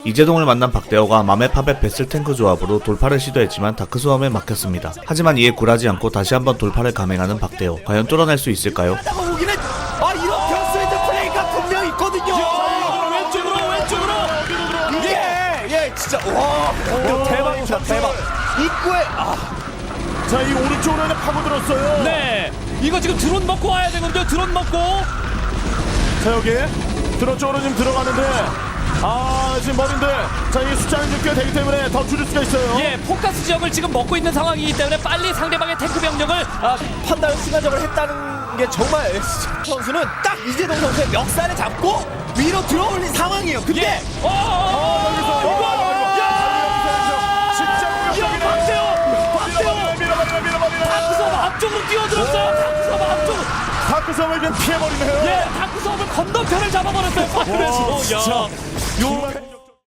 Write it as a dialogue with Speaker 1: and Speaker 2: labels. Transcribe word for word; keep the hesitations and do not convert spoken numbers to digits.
Speaker 1: 이재동을 만난 박대호가 맘에팝의 배슬탱크 조합으로 돌파를 시도했지만 다크소음에 막혔습니다. 하지만 이에 굴하지 않고 다시 한번 돌파를 감행하는 박대호. 과연 뚫어낼 수 있을까요?
Speaker 2: 보기는 아 이런 변수의 플레이가 분명히 있거든요.
Speaker 3: 왼쪽으로 왼쪽으로
Speaker 2: 예, 예, 진짜 와, 오, 대박이다, 대박. 입구에 아,
Speaker 4: 자, 이 오른쪽으로 파고들었어요.
Speaker 3: 네 이거 지금 드론 먹고 와야 되거든요. 드론 먹고
Speaker 4: 자, 여기 드론 쪽으로 지금 들어가는데 아, 지금 머린데 자, 이 숫자는 좀 꽤 되기 때문에 더 줄일 수가 있어요.
Speaker 3: 예 포커스 지역을 지금 먹고 있는 상황이기 때문에 빨리 상대방의 탱크 병력을
Speaker 2: 아, 판단을 순간적으로 했다는 게 정말 에스 선수는 딱 이재동 선수의 멱살을 잡고 위로 들어올린 상황이에요. 근데
Speaker 3: 예 어, 다크섬 앞쪽으로 뛰어들었어요. 다크섬 앞쪽으로
Speaker 4: 다크섬을 그냥 피해버리네요.
Speaker 3: 예 다크섬을 건너편을 잡아버렸어요.
Speaker 4: 와,
Speaker 3: 그래서
Speaker 4: 진짜.
Speaker 3: 야
Speaker 4: 정말